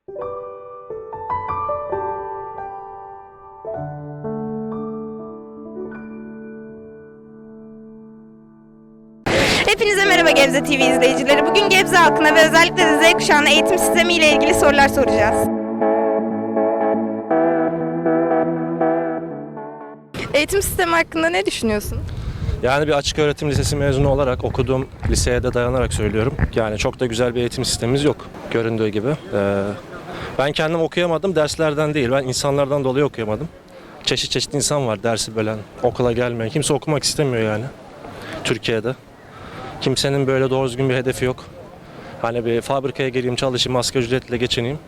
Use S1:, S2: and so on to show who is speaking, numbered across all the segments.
S1: Hepinize merhaba Gebze TV izleyicileri. Bugün Gebze halkına ve özellikle de Z kuşağına eğitim sistemi ile ilgili sorular soracağız. Eğitim sistemi hakkında ne düşünüyorsun?
S2: Yani bir açık öğretim lisesi mezunu olarak okuduğum liseye de dayanarak söylüyorum. Yani çok da güzel bir eğitim sistemimiz yok göründüğü gibi. Ben kendim okuyamadım, derslerden değil. Ben insanlardan dolayı okuyamadım. Çeşit çeşit insan var dersi bölen, okula gelmeyen. Kimse okumak istemiyor yani Türkiye'de. Kimsenin böyle doğru düzgün bir hedefi yok. Hani bir fabrikaya gireyim, çalışayım, asgari ücretle geçineyim.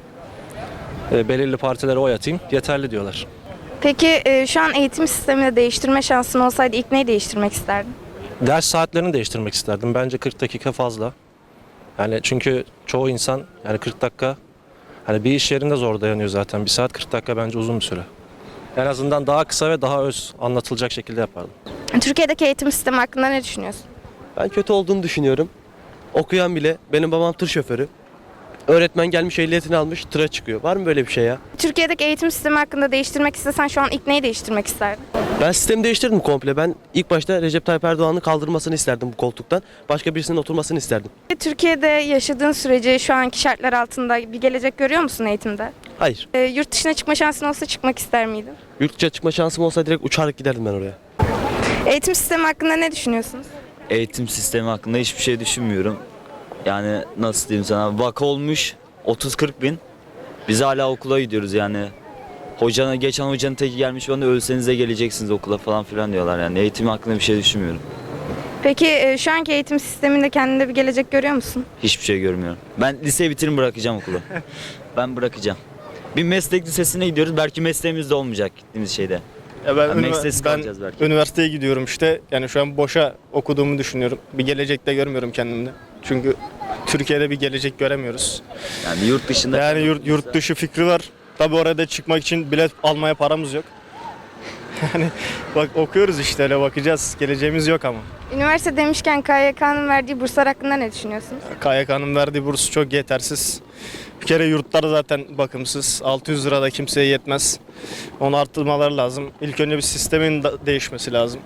S2: Belirli partilere oy atayım, yeterli diyorlar.
S1: Peki şu an eğitim sistemini değiştirme şansın olsaydı ilk neyi değiştirmek isterdin?
S2: Ders saatlerini değiştirmek isterdim. Bence 40 dakika fazla. Yani çünkü çoğu insan yani 40 dakika hani bir iş yerinde zor dayanıyor zaten. Bir saat 40 dakika bence uzun bir süre. En azından daha kısa ve daha öz anlatılacak şekilde yapardım.
S1: Türkiye'deki eğitim sistemi hakkında ne düşünüyorsun?
S3: Ben kötü olduğunu düşünüyorum. Okuyan bile, benim babam tır şoförü. Öğretmen gelmiş ehliyetini almış tıra çıkıyor. Var mı böyle bir şey ya?
S1: Türkiye'deki eğitim sistemi hakkında değiştirmek istesen şu an ilk neyi değiştirmek isterdin?
S3: Ben sistemi değiştirdim komple. Ben ilk başta Recep Tayyip Erdoğan'ın kaldırmasını isterdim bu koltuktan. Başka birisinin oturmasını isterdim.
S1: Türkiye'de yaşadığın sürece şu anki şartlar altında bir gelecek görüyor musun eğitimde?
S3: Hayır.
S1: Yurt dışına çıkma şansın olsa çıkmak ister miydin?
S3: Yurt dışına çıkma şansım olsa direkt uçarak giderdim ben oraya.
S1: Eğitim sistemi hakkında ne düşünüyorsunuz?
S4: Eğitim sistemi hakkında hiçbir şey düşünmüyorum. Yani nasıl diyeyim sana, vaka olmuş 30-40 bin. Biz hala okula gidiyoruz yani. Geçen hocanın teki gelmiş bana ölseniz de geleceksiniz okula falan filan diyorlar yani. Eğitim hakkında bir şey düşünmüyorum.
S1: Peki şu anki eğitim sisteminde kendinde bir gelecek görüyor musun?
S4: Hiçbir şey görmüyorum. Ben liseyi bitirin bırakacağım okulu. Ben bırakacağım. Bir meslek lisesine gidiyoruz. Belki mesleğimiz de olmayacak gittiğimiz şeyde.
S5: Ya ben,
S4: Yani mesleksiz kalacağız belki.
S5: üniversiteye gidiyorum işte. Yani şu an boşa okuduğumu düşünüyorum. Bir gelecekte görmüyorum kendimde. Çünkü Türkiye'de bir gelecek göremiyoruz.
S4: Yani yurt dışında...
S5: Yani yurt dışı fikri var. Tabii oraya da çıkmak için bilet almaya paramız yok. Yani bak okuyoruz işte öyle bakacağız. Geleceğimiz yok ama.
S1: Üniversite demişken KYK'nın verdiği burslar hakkında ne düşünüyorsunuz?
S5: KYK'nın verdiği burs çok yetersiz. Bir kere yurtlar zaten bakımsız. 600 lira da kimseye yetmez. Onu arttırmaları lazım. İlk önce bir sistemin değişmesi lazım.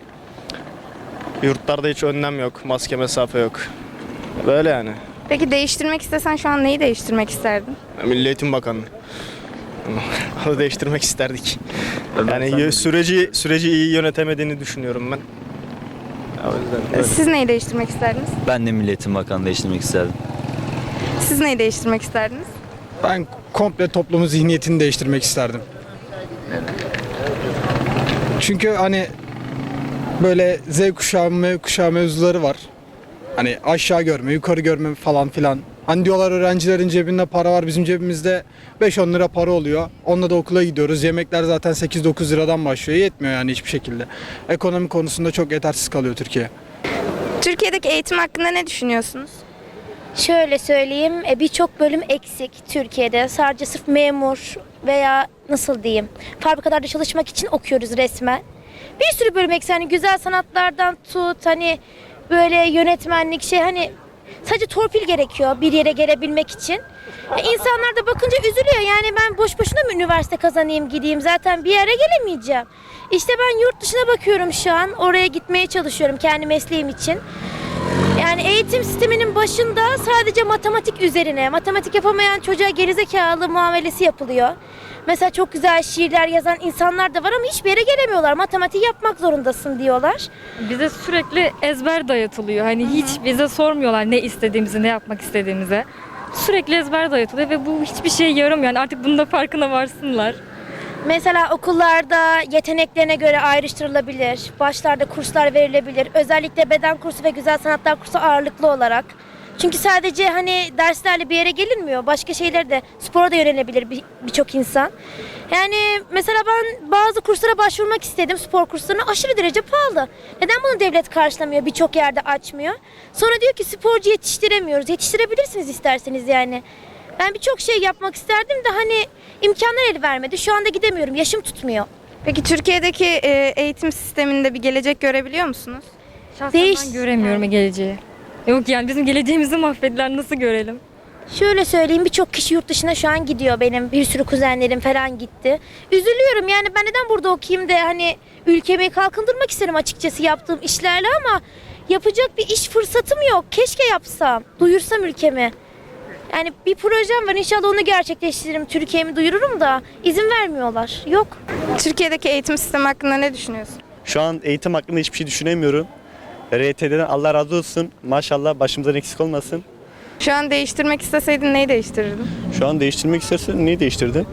S5: Yurtlarda hiç önlem yok. Maske, mesafe yok. Böyle yani.
S1: Peki değiştirmek istesen şu an neyi değiştirmek isterdin?
S5: Milli Eğitim Bakanlığı. Onu değiştirmek isterdik.
S4: Ben
S5: Yani
S4: sen-
S5: süreci iyi yönetemediğini düşünüyorum ben. O yüzden böyle.
S1: Siz neyi değiştirmek isterdiniz?
S4: Ben de Milli Eğitim Bakanı değiştirmek isterdim.
S1: Siz neyi değiştirmek isterdiniz?
S6: Ben komple toplumun zihniyetini değiştirmek isterdim. Çünkü hani böyle Z kuşağı, M kuşağı mevzuları var. Hani aşağı görme, yukarı görme falan filan. Hani diyorlar öğrencilerin cebinde para var, bizim cebimizde 5-10 lira para oluyor. Onunla da okula gidiyoruz. Yemekler zaten 8-9 liradan başlıyor. Yetmiyor yani hiçbir şekilde. Ekonomi konusunda çok yetersiz kalıyor Türkiye.
S1: Türkiye'deki eğitim hakkında ne düşünüyorsunuz?
S7: Şöyle söyleyeyim, birçok bölüm eksik Türkiye'de. Sadece sırf memur veya nasıl diyeyim, fabrikalarda çalışmak için okuyoruz resmen. Bir sürü bölüm eksik. Hani güzel sanatlardan tut, hani böyle yönetmenlik hani sadece torpil gerekiyor bir yere gelebilmek için. İnsanlar da bakınca üzülüyor. Yani ben boş boşuna mı üniversite kazanayım gideyim, zaten bir yere gelemeyeceğim. İşte ben yurt dışına bakıyorum şu an. Oraya gitmeye çalışıyorum kendi mesleğim için. Yani eğitim sisteminin başında sadece matematik üzerine, matematik yapamayan çocuğa gerizekalı muamelesi yapılıyor. Mesela çok güzel şiirler yazan insanlar da var ama hiçbir yere gelemiyorlar. Matematik yapmak zorundasın diyorlar.
S8: Bize sürekli ezber dayatılıyor. Hani hiç bize sormuyorlar ne istediğimizi, ne yapmak istediğimizi. Sürekli ezber dayatılıyor ve bu hiçbir şey yaramıyor. Yani artık bunun da farkına varsınlar.
S7: Mesela okullarda yeteneklerine göre ayrıştırılabilir. Başlarda kurslar verilebilir. Özellikle beden kursu ve güzel sanatlar kursu ağırlıklı olarak. Çünkü sadece hani derslerle bir yere gelinmiyor. Başka şeyler de, spora da yönelebilir birçok insan. Yani mesela ben bazı kurslara başvurmak istedim. Spor kurslarına aşırı derece pahalı. Neden bunu devlet karşılamıyor? Birçok yerde açmıyor. Sonra diyor ki sporcu yetiştiremiyoruz. Yetiştirebilirsiniz isterseniz yani. Ben birçok şey yapmak isterdim de hani imkanlar el vermedi. Şu anda gidemiyorum. Yaşım tutmuyor.
S1: Peki Türkiye'deki eğitim sisteminde bir gelecek görebiliyor musunuz?
S8: Şahsen ben göremiyorum geleceği. Yok yani bizim geleceğimizi mahvettiler, nasıl görelim?
S7: Şöyle söyleyeyim, birçok kişi yurt dışına şu an gidiyor, benim bir sürü kuzenlerim falan gitti. Üzülüyorum yani, ben neden burada okuyayım da hani ülkemi kalkındırmak isterim açıkçası yaptığım işlerle, ama yapacak bir iş fırsatım yok. Keşke yapsam, duyursam ülkemi. Yani bir projem var, inşallah onu gerçekleştiririm, Türkiye'mi duyururum da izin vermiyorlar. Yok.
S1: Türkiye'deki eğitim sistemi hakkında ne düşünüyorsun?
S9: Şu an eğitim hakkında hiçbir şey düşünemiyorum. RYT'den Allah razı olsun. Maşallah başımızdan eksik olmasın.
S1: Şu an değiştirmek isteseydin neyi değiştirirdin?
S9: Şu an değiştirmek istersen neyi değiştirdin?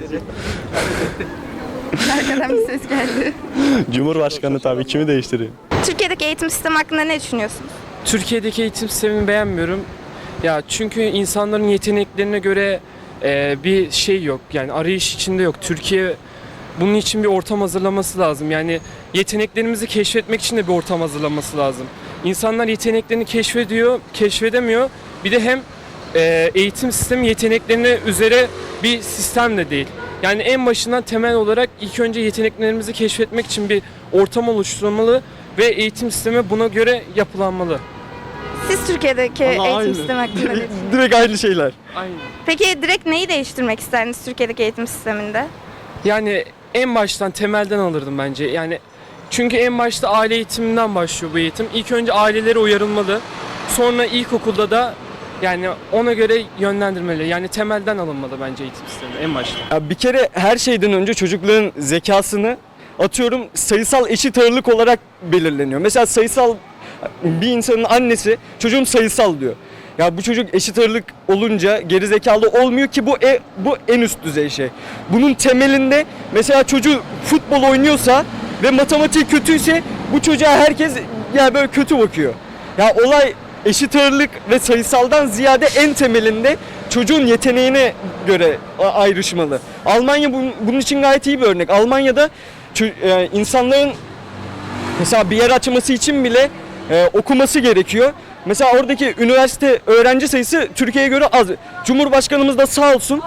S1: Arkadan bir ses geldi.
S9: Cumhurbaşkanı tabii, kimi değiştireyim?
S1: Türkiye'deki eğitim sistemi hakkında ne düşünüyorsunuz?
S10: Türkiye'deki eğitim sistemini beğenmiyorum. Ya çünkü insanların yeteneklerine göre bir şey yok. Yani arayış içinde yok. Türkiye bunun için bir ortam hazırlaması lazım. Yani yeteneklerimizi keşfetmek için de bir ortam hazırlaması lazım. İnsanlar yeteneklerini keşfediyor, keşfedemiyor. Bir de hem eğitim sistemi yeteneklerine üzere bir sistem de değil. Yani en başından temel olarak ilk önce yeteneklerimizi keşfetmek için bir ortam oluşturulmalı ve eğitim sistemi buna göre yapılanmalı.
S1: Siz Türkiye'deki eğitim sistemi hakkında ne düşünüyorsunuz?
S9: Direkt aynı şeyler.
S10: Aynen.
S1: Peki direkt neyi değiştirmek isterdiniz Türkiye'deki eğitim sisteminde?
S10: Yani en baştan temelden alırdım bence. Yani çünkü en başta aile eğitiminden başlıyor bu eğitim. İlk önce ailelere uyarılmalı. Sonra ilkokulda da yani ona göre yönlendirmeli. Yani temelden alınmalı bence eğitim sistemi en başta.
S11: Ya bir kere her şeyden önce çocukların zekasını atıyorum sayısal eşit ağırlık olarak belirleniyor. Mesela sayısal bir insanın annesi çocuğum sayısal diyor. Ya bu çocuk eşit ağırlık olunca geri zekalı olmuyor ki, bu en üst düzey şey. Bunun temelinde mesela çocuğu futbol oynuyorsa ve matematiği kötüyse bu çocuğa herkes yani böyle kötü bakıyor. Ya olay eşit ağırlık ve sayısaldan ziyade en temelinde çocuğun yeteneğine göre ayrışmalı. Almanya bunun için gayet iyi bir örnek. Almanya'da insanların mesela bir yer açması için bile okuması gerekiyor. Mesela oradaki üniversite öğrenci sayısı Türkiye'ye göre az. Cumhurbaşkanımız da sağ olsun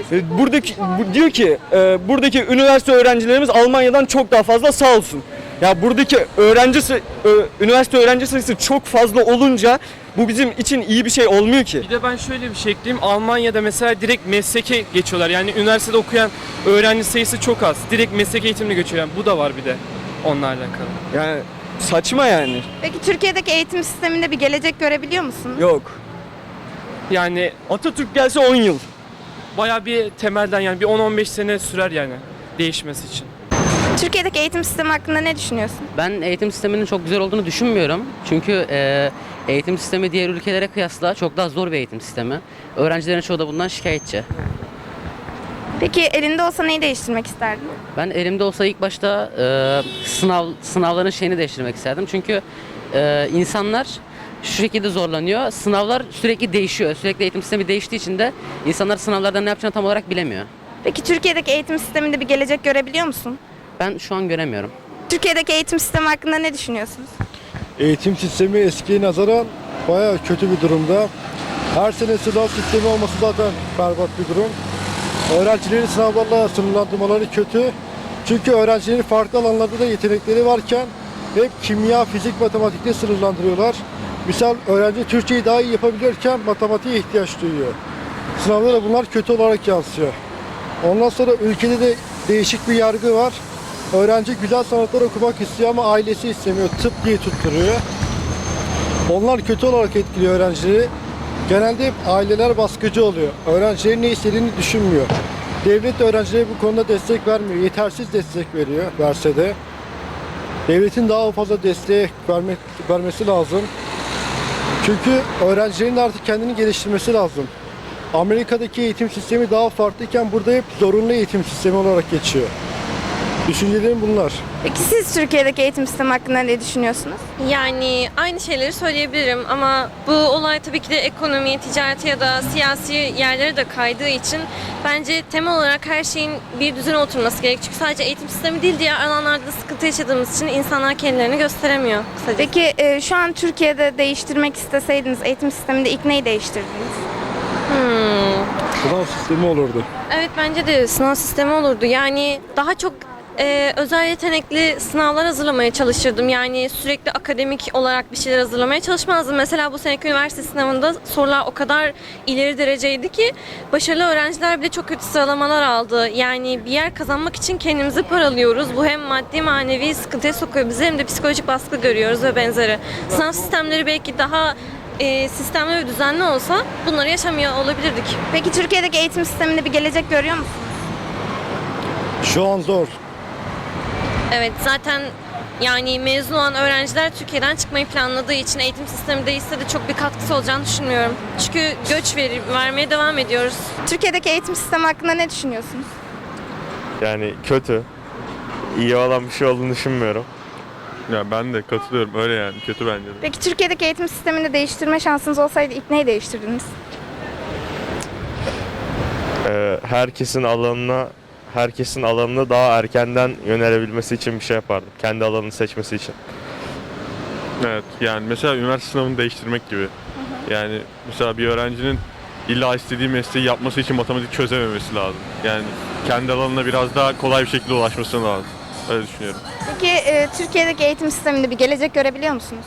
S11: diyor ki buradaki üniversite öğrencilerimiz Almanya'dan çok daha fazla, sağ olsun. Ya buradaki üniversite öğrenci sayısı çok fazla olunca bu bizim için iyi bir şey olmuyor ki.
S10: Bir de ben şöyle bir şey ekleyeyim. Almanya'da mesela direkt mesleke geçiyorlar. Yani üniversitede okuyan öğrenci sayısı çok az. Direkt meslek eğitimine geçiyor. Yani bu da var bir de onunla alakalı.
S11: Yani saçma yani.
S1: Peki Türkiye'deki eğitim sisteminde bir gelecek görebiliyor musunuz?
S11: Yok.
S10: Yani
S11: Atatürk gelse 10 yıl.
S10: bayağı bir temelden yani bir 10-15 sene sürer yani değişmesi için.
S1: Türkiye'deki eğitim sistemi hakkında ne düşünüyorsun?
S12: Ben eğitim sisteminin çok güzel olduğunu düşünmüyorum. Çünkü eğitim sistemi diğer ülkelere kıyasla çok daha zor bir eğitim sistemi. Öğrencilerin çoğu da bundan şikayetçi.
S1: Peki elinde olsa neyi değiştirmek isterdin?
S12: Ben elimde olsa ilk başta sınavların şeyini değiştirmek isterdim. Çünkü insanlar şu şekilde zorlanıyor. Sınavlar sürekli değişiyor. Sürekli eğitim sistemi değiştiği için de insanlar sınavlarda ne yapacağını tam olarak bilemiyor.
S1: Peki Türkiye'deki eğitim sisteminde bir gelecek görebiliyor musun?
S12: Ben şu an göremiyorum.
S1: Türkiye'deki eğitim sistemi hakkında ne düşünüyorsunuz?
S13: Eğitim sistemi eskiye nazaran bayağı kötü bir durumda. Her sene sınav sistemi olması zaten berbat bir durum. Öğrencilerin sınavlarla sınırlandırmaları kötü. Çünkü öğrencilerin farklı alanlarda da yetenekleri varken hep kimya, fizik, matematikte sınırlandırıyorlar. Misal öğrenci Türkçeyi daha iyi yapabilirken matematiğe ihtiyaç duyuyor. Sınavlara bunlar kötü olarak yansıyor. Ondan sonra ülkede de değişik bir yargı var. Öğrenci güzel sanatlar okumak istiyor ama ailesi istemiyor. Tıp diye tutturuyor. Onlar kötü olarak etkiliyor öğrencileri. Genelde hep aileler baskıcı oluyor. Öğrencilerin ne istediğini düşünmüyor. Devlet de öğrencilere bu konuda destek vermiyor. Yetersiz destek veriyor, verse de. Devletin daha fazla destek vermesi lazım. Çünkü öğrencilerin de artık kendini geliştirmesi lazım. Amerika'daki eğitim sistemi daha farklıyken burada hep zorunlu eğitim sistemi olarak geçiyor. Düşüncelerim bunlar.
S1: Peki siz Türkiye'deki eğitim sistemi hakkında ne düşünüyorsunuz?
S14: Yani aynı şeyleri söyleyebilirim ama bu olay tabii ki de ekonomiye, ticarete ya da siyasi yerlere de kaydığı için bence temel olarak her şeyin bir düzene oturması gerek. Çünkü sadece eğitim sistemi değil, diğer alanlarda da sıkıntı yaşadığımız için insanlar kendilerini gösteremiyor kısacası.
S1: Peki şu an Türkiye'de değiştirmek isteseydiniz eğitim sisteminde ilk neyi değiştirdiniz?
S13: Sınav sistemi olurdu.
S14: Evet, bence de sınav sistemi olurdu. Yani daha çok özel yetenekli sınavlar hazırlamaya çalışırdım. Yani sürekli akademik olarak bir şeyler hazırlamaya çalışmazdım. Mesela bu seneki üniversite sınavında sorular o kadar ileri dereceydi ki başarılı öğrenciler bile çok kötü sıralamalar aldı. Yani bir yer kazanmak için kendimizi paralıyoruz. Bu hem maddi manevi sıkıntıya sokuyor bizi hem de psikolojik baskı görüyoruz ve benzeri. Sınav sistemleri belki daha sistemli ve düzenli olsa bunları yaşamıyor olabilirdik.
S1: Peki Türkiye'deki eğitim sisteminde bir gelecek görüyor musunuz?
S13: Şu an zor.
S14: Evet, zaten yani mezun olan öğrenciler Türkiye'den çıkmayı planladığı için eğitim sistemi değişse de çok bir katkısı olacağını düşünmüyorum. Çünkü göç vermeye devam ediyoruz.
S1: Türkiye'deki eğitim sistemi hakkında ne düşünüyorsunuz?
S15: Yani kötü. İyi olan bir şey olduğunu düşünmüyorum.
S16: Ya ben de katılıyorum öyle yani kötü bence de.
S1: Peki Türkiye'deki eğitim sistemini değiştirme şansınız olsaydı ilk neyi değiştirdiniz?
S15: Herkesin alanına daha erkenden yönelebilmesi için bir şey yapardım. Kendi alanını seçmesi için.
S16: Evet yani mesela üniversite sınavını değiştirmek gibi. Yani mesela bir öğrencinin illa istediği mesleği yapması için matematik çözememesi lazım. Yani kendi alanına biraz daha kolay bir şekilde ulaşması lazım. Öyle düşünüyorum.
S1: Peki Türkiye'deki eğitim sisteminde bir gelecek görebiliyor musunuz?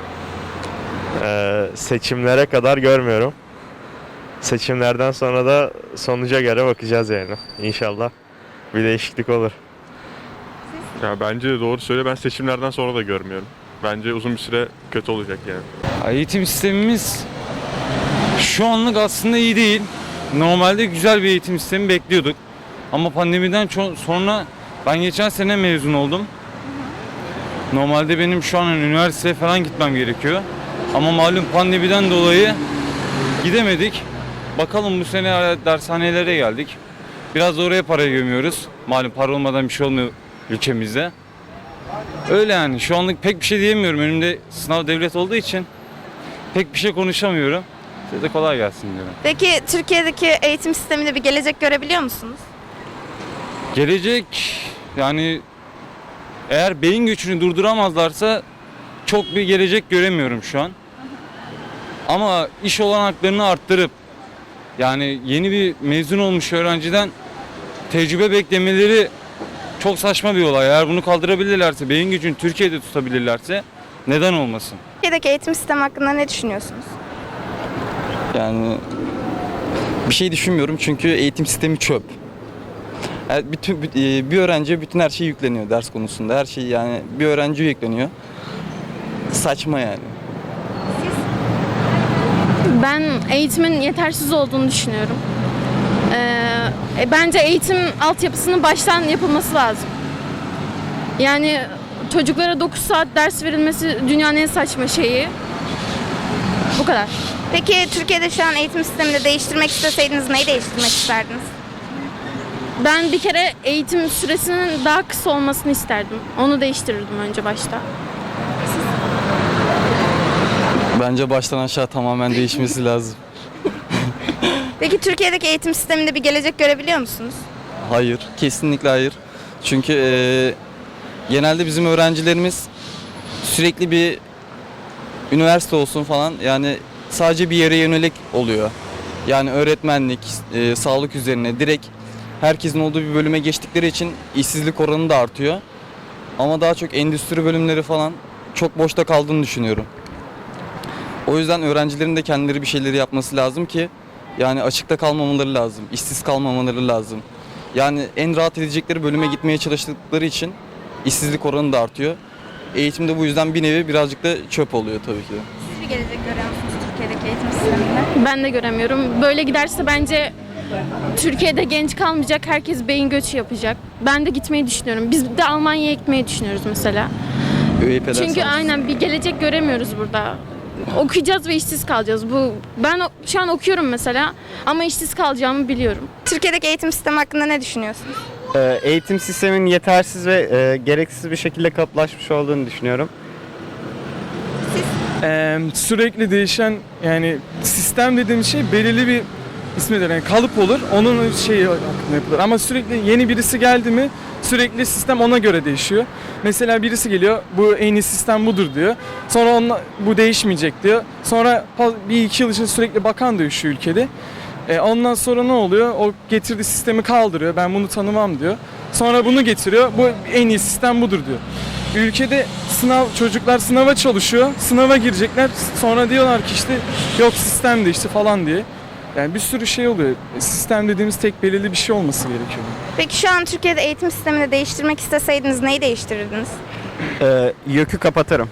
S15: Seçimlere kadar görmüyorum. Seçimlerden sonra da sonuca göre bakacağız yani. İnşallah bir değişiklik olur.
S16: Ya bence de doğru söyle, ben seçimlerden sonra da görmüyorum. Bence uzun bir süre kötü olacak yani.
S17: Eğitim sistemimiz şu anlık aslında iyi değil. Normalde güzel bir eğitim sistemi bekliyorduk. Ama pandemiden sonra ben geçen sene mezun oldum. Normalde benim şu an üniversiteye falan gitmem gerekiyor. Ama malum pandemiden dolayı gidemedik. Bakalım bu sene dershanelere geldik. Biraz da oraya parayı gömüyoruz. Malum para olmadan bir şey olmuyor ülkemizde. Öyle yani şu anlık pek bir şey diyemiyorum. Önümde sınav devlet olduğu için pek bir şey konuşamıyorum. Size de kolay gelsin diyorum.
S1: Peki Türkiye'deki eğitim sisteminde bir gelecek görebiliyor musunuz?
S17: Gelecek yani eğer beyin göçünü durduramazlarsa çok bir gelecek göremiyorum şu an. Ama iş olanaklarını arttırıp yani yeni bir mezun olmuş öğrenciden tecrübe beklemeleri çok saçma bir olay. Eğer bunu kaldırabilirlerse, beyin gücünü Türkiye'de tutabilirlerse neden olmasın?
S1: Türkiye'deki eğitim sistemi hakkında ne düşünüyorsunuz?
S18: Yani bir şey düşünmüyorum çünkü eğitim sistemi çöp. Yani bir öğrenciye bütün her şey yükleniyor ders konusunda. Her şey yani bir öğrenciye yükleniyor. Saçma yani.
S19: Ben eğitimin yetersiz olduğunu düşünüyorum. Bence eğitim altyapısının baştan yapılması lazım. Yani çocuklara 9 saat ders verilmesi dünyanın en saçma şeyi. Bu kadar.
S1: Peki Türkiye'de şu an eğitim sistemini değiştirmek isteseydiniz neyi değiştirmek isterdiniz?
S19: Ben bir kere eğitim süresinin daha kısa olmasını isterdim. Onu değiştirirdim önce başta.
S18: Bence baştan aşağı tamamen değişmesi lazım.
S1: Peki Türkiye'deki eğitim sisteminde bir gelecek görebiliyor musunuz?
S18: Hayır, kesinlikle hayır. Çünkü genelde bizim öğrencilerimiz sürekli bir üniversite olsun falan yani sadece bir yere yönelik oluyor. Yani öğretmenlik, sağlık üzerine direkt herkesin olduğu bir bölüme geçtikleri için işsizlik oranı da artıyor. Ama daha çok endüstri bölümleri falan çok boşta kaldığını düşünüyorum. O yüzden öğrencilerin de kendileri bir şeyleri yapması lazım ki yani açıkta kalmamaları lazım, işsiz kalmamaları lazım. Yani en rahat edecekleri bölüme gitmeye çalıştıkları için işsizlik oranı da artıyor. Eğitim de bu yüzden bir nevi birazcık da çöp oluyor tabii ki.
S1: Siz bir gelecek görüyor musunuz Türkiye'deki eğitim sisteminde?
S19: Ben de göremiyorum. Böyle giderse bence Türkiye'de genç kalmayacak, herkes beyin göçü yapacak. Ben de gitmeyi düşünüyorum. Biz de Almanya'ya gitmeyi düşünüyoruz mesela. Çünkü aynen bir gelecek göremiyoruz burada. Okuyacağız ve işsiz kalacağız. Ben şu an okuyorum mesela ama işsiz kalacağımı biliyorum.
S1: Türkiye'deki eğitim sistemi hakkında ne düşünüyorsunuz?
S9: Eğitim sisteminin yetersiz ve gereksiz bir şekilde kalıplaşmış olduğunu düşünüyorum.
S10: Sürekli değişen yani sistem dediğim şey belirli bir ismidir yani kalıp olur onun şeyi hakkında yapılır ama sürekli yeni birisi geldi mi sürekli sistem ona göre değişiyor. Mesela birisi geliyor bu en iyi sistem budur diyor sonra bu değişmeyecek diyor sonra bir iki yıl için sürekli bakan değişiyor ülkede. Ondan sonra ne oluyor o getirdiği sistemi kaldırıyor ben bunu tanımam diyor. Sonra bunu getiriyor. Bu en iyi sistem budur diyor. Ülkede çocuklar sınava çalışıyor. Sınava girecekler. Sonra diyorlar ki işte yok sistem değişti falan diye. Yani bir sürü şey oluyor. Sistem dediğimiz tek belirli bir şey olması gerekiyor.
S1: Peki şu an Türkiye'de eğitim sistemini değiştirmek isteseydiniz neyi değiştirirdiniz?
S11: YÖK'ü kapatırım.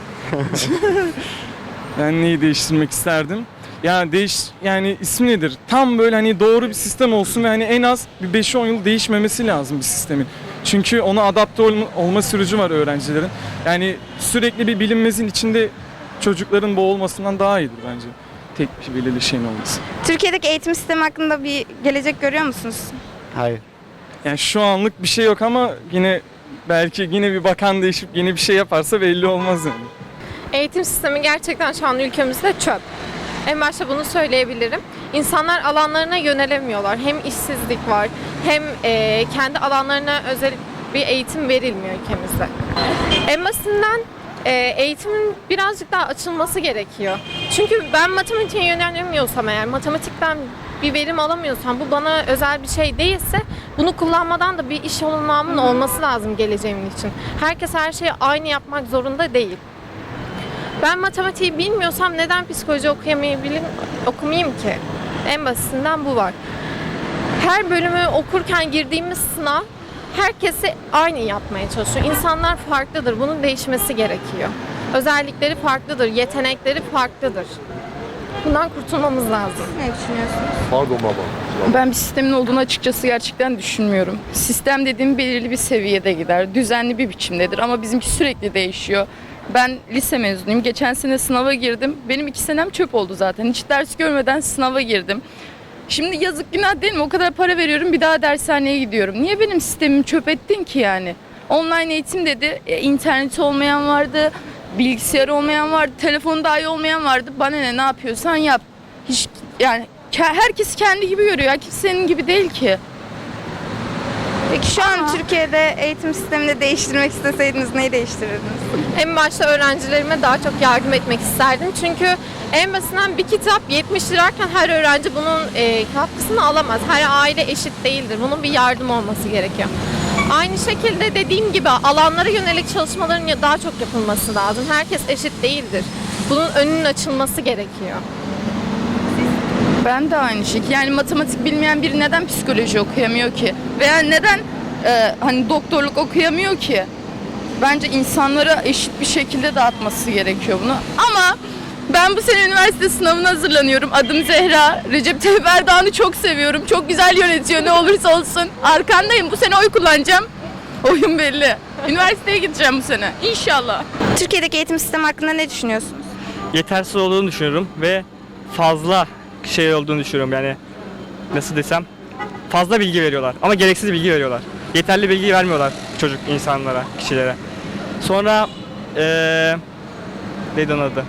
S10: Ben neyi değiştirmek isterdim? Yani ismi nedir? Tam böyle hani doğru bir sistem olsun ve hani en az bir 5-10 yıl değişmemesi lazım bir sistemin. Çünkü ona adapte olma süreci var öğrencilerin. Yani sürekli bir bilinmezin içinde çocukların boğulmasından daha iyidir bence. Tek bir belirli şeyin olması.
S1: Türkiye'deki eğitim sistemi hakkında bir gelecek görüyor musunuz?
S11: Hayır.
S10: Yani şu anlık bir şey yok ama belki bir bakan değişip yeni bir şey yaparsa belli olmaz yani.
S14: Eğitim sistemi gerçekten şu an ülkemizde çöp. En başta bunu söyleyebilirim. İnsanlar alanlarına yönelemiyorlar. Hem işsizlik var hem kendi alanlarına özel bir eğitim verilmiyor ülkemizde. En basitinden eğitimin birazcık daha açılması gerekiyor. Çünkü ben matematiğe yönelemiyorsam eğer, matematikten bir verim alamıyorsam, bu bana özel bir şey değilse bunu kullanmadan da bir iş olanağımın olması lazım geleceğim için. Herkes her şeyi aynı yapmak zorunda değil. Ben matematiği bilmiyorsam neden psikoloji okumayayım ki? En basitinden bu var. Her bölümü okurken girdiğimiz sınav herkesi aynı yapmaya çalışıyor. İnsanlar farklıdır. Bunun değişmesi gerekiyor. Özellikleri farklıdır, yetenekleri farklıdır. Bundan kurtulmamız lazım.
S1: Ne düşünüyorsunuz?
S13: Pardon baba.
S20: Ben bir sistemin olduğunu açıkçası gerçekten düşünmüyorum. Sistem dediğim belirli bir seviyede gider. Düzenli bir biçimdedir ama bizimki sürekli değişiyor. Ben lise mezunuyum. Geçen sene sınava girdim. Benim 2 senem çöp oldu zaten. Hiç ders görmeden sınava girdim. Şimdi yazık günah değil mi? O kadar para veriyorum, bir daha dershaneye gidiyorum. Niye benim sistemimi çöp ettin ki yani? Online eğitim dedi. İnterneti olmayan vardı, bilgisayarı olmayan vardı, telefonu dahi olmayan vardı. Bana ne yapıyorsan yap. Hiç yani herkes kendi gibi görüyor. Kimse senin gibi değil ki.
S1: Peki şu an Türkiye'de eğitim sistemini değiştirmek isteseydiniz neyi değiştirirdiniz?
S14: En başta öğrencilerime daha çok yardım etmek isterdim. Çünkü en basitinden bir kitap 70 lirayken her öğrenci bunun katkısını alamaz. Her aile eşit değildir. Bunun bir yardım olması gerekiyor. Aynı şekilde dediğim gibi alanlara yönelik çalışmaların daha çok yapılması lazım. Herkes eşit değildir. Bunun önünün açılması gerekiyor.
S20: Ben de aynı şekilde. Yani matematik bilmeyen biri neden psikoloji okuyamıyor ki? Veya neden hani doktorluk okuyamıyor ki? Bence insanlara eşit bir şekilde dağıtması gerekiyor bunu. Ama ben bu sene üniversite sınavına hazırlanıyorum. Adım Zehra. Recep Tayyip Erdoğan'ı çok seviyorum. Çok güzel yönetiyor ne olursa olsun. Arkandayım. Bu sene oy kullanacağım. Oyun belli. Üniversiteye gideceğim bu sene. İnşallah.
S1: Türkiye'deki eğitim sistemi hakkında ne düşünüyorsunuz?
S11: Yetersiz olduğunu düşünüyorum ve fazla şey olduğunu düşünüyorum. Yani nasıl desem, fazla bilgi veriyorlar ama gereksiz bilgi veriyorlar. Yeterli bilgi vermiyorlar insanlara, kişilere. Sonra neydi onun adı?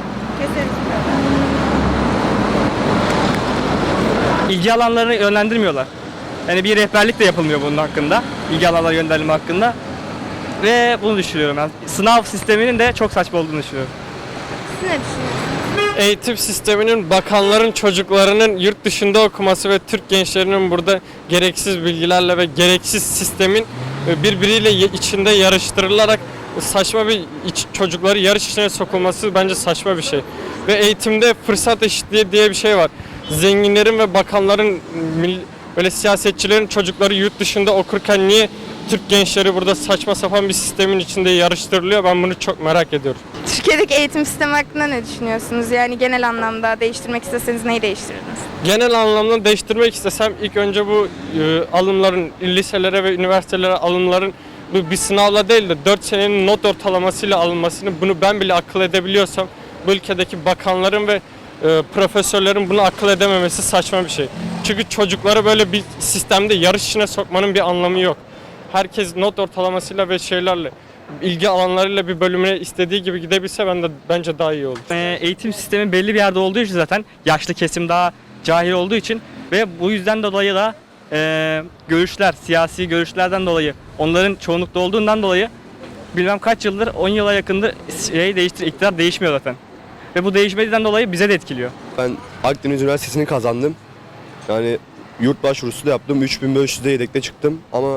S11: İlgi alanlarını yönlendirmiyorlar. Yani bir rehberlik de yapılmıyor bunun hakkında. İlgi alanları yönlendirme hakkında. Ve bunu düşünüyorum ben. Sınav sisteminin de çok saçma olduğunu düşünüyorum.
S1: Siz ne düşünüyorsunuz?
S10: Eğitim sisteminin bakanların çocuklarının yurt dışında okuması ve Türk gençlerinin burada gereksiz bilgilerle ve gereksiz sistemin birbiriyle içinde yarıştırılarak saçma bir çocukları yarış içine sokulması bence saçma bir şey. Ve eğitimde fırsat eşitliği diye bir şey var. Zenginlerin ve bakanların, böyle siyasetçilerin çocukları yurt dışında okurken niye Türk gençleri burada saçma sapan bir sistemin içinde yarıştırılıyor? Ben bunu çok merak ediyorum.
S1: Türkiye'deki eğitim sistemi hakkında ne düşünüyorsunuz? Yani genel anlamda değiştirmek isteseniz neyi değiştirirdiniz?
S10: Genel anlamda değiştirmek istesem ilk önce bu alımların, liselere ve üniversitelere alımların bu bir sınavla değil de 4 senenin not ortalamasıyla alınmasını, bunu ben bile akıl edebiliyorsam bu ülkedeki bakanların ve profesörlerin bunu akıl edememesi saçma bir şey. Çünkü çocukları böyle bir sistemde yarış içine sokmanın bir anlamı yok. Herkes not ortalamasıyla ve şeylerle, ilgi alanlarıyla bir bölümüne istediği gibi gidebilse bence daha iyi olur.
S11: Eğitim sistemi belli bir yerde olduğu için zaten yaşlı kesim daha cahil olduğu için ve bu yüzden dolayı da görüşler, siyasi görüşlerden dolayı, onların çoğunlukta olduğundan dolayı bilmem kaç yıldır, 10 yıla yakındır iktidar değişmiyor zaten. Ve bu değişmediğinden dolayı bize de etkiliyor.
S3: Ben Akdeniz Üniversitesi'ni kazandım. Yani yurt başvurusu da yaptım. 3500'de yedekte çıktım ama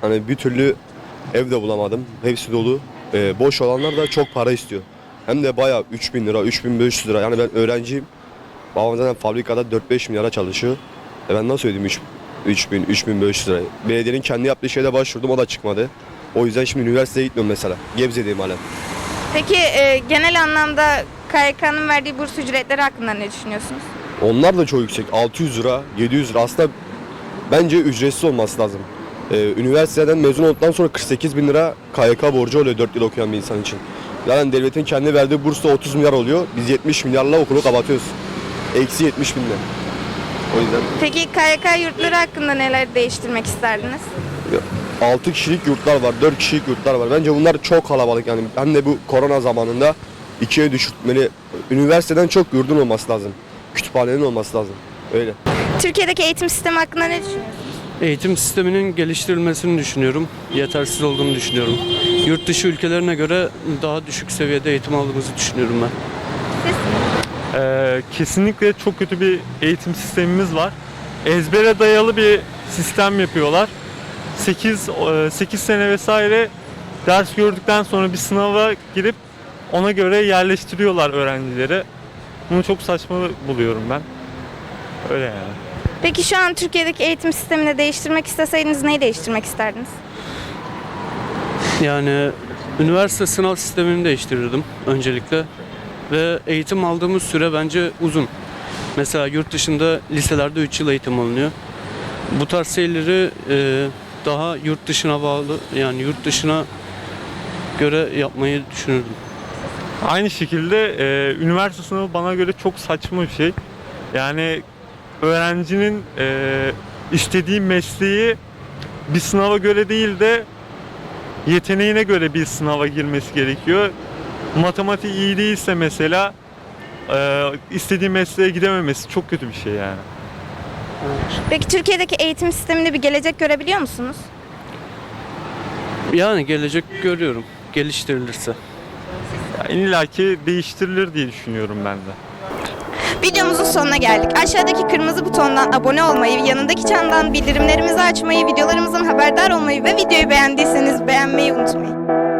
S21: Hani bir türlü ev de bulamadım. Hepsi dolu. Boş olanlar da çok para istiyor. Hem de bayağı 3.000 lira, 3.500 lira. Yani ben öğrenciyim. Babam zaten fabrikada 4-5 milyara çalışıyor. Ben nasıl ödeyeyim 3.000-3.500 lira? Belediyenin kendi yaptığı şeyde başvurdum, o da çıkmadı. O yüzden şimdi üniversiteye gitmiyorum mesela. Gebze'deyim hala.
S1: Peki genel anlamda KYK'nın verdiği burs ücretleri hakkında ne düşünüyorsunuz?
S21: Onlar da çok yüksek. 600 lira, 700 lira. Aslında bence ücretsiz olması lazım. Üniversiteden mezun olduktan sonra 48 bin lira KYK borcu oluyor 4 yıl okuyan bir insan için. Yani devletin kendi verdiği burs da 30 milyar oluyor. Biz 70 milyarla okulu kapatıyoruz. Eksi 70 binle. O yüzden.
S1: Peki KYK yurtları hakkında neler değiştirmek isterdiniz?
S21: 6 kişilik yurtlar var, 4 kişilik yurtlar var. Bence bunlar çok kalabalık yani. Hem de bu korona zamanında 2'ye düşürtmeli. Üniversiteden çok yurdun olması lazım. Kütüphanenin olması lazım. Öyle.
S1: Türkiye'deki eğitim sistemi hakkında ne düşünüyorsunuz?
S22: Eğitim sisteminin geliştirilmesini düşünüyorum. Yetersiz olduğunu düşünüyorum. Yurt dışı ülkelerine göre daha düşük seviyede eğitim aldığımızı düşünüyorum ben.
S16: Kesinlikle çok kötü bir eğitim sistemimiz var. Ezbere dayalı bir sistem yapıyorlar. 8 sene vesaire ders gördükten sonra bir sınava girip ona göre yerleştiriyorlar öğrencileri. Bunu çok saçma buluyorum ben. Öyle yani.
S1: Peki şu an Türkiye'deki eğitim sistemini değiştirmek isteseydiniz neyi değiştirmek isterdiniz?
S22: Yani üniversite sınav sistemini değiştirirdim öncelikle. Ve eğitim aldığımız süre bence uzun. Mesela yurt dışında liselerde 3 yıl eğitim alınıyor. Bu tarz şeyleri daha yurt dışına bağlı, yani yurt dışına göre yapmayı düşünürdüm.
S16: Aynı şekilde üniversite sınavı bana göre çok saçma bir şey. Yani öğrencinin istediği mesleği bir sınava göre değil de yeteneğine göre bir sınava girmesi gerekiyor. Matematik iyi değilse mesela istediği mesleğe gidememesi çok kötü bir şey yani.
S1: Peki Türkiye'deki eğitim sisteminde bir gelecek görebiliyor musunuz?
S22: Yani gelecek görüyorum, geliştirilirse.
S16: İlla ki değiştirilir diye düşünüyorum ben de.
S1: Videomuzun sonuna geldik. Aşağıdaki kırmızı butondan abone olmayı, yanındaki çandan bildirimlerimizi açmayı, videolarımızdan haberdar olmayı ve videoyu beğendiyseniz beğenmeyi unutmayın.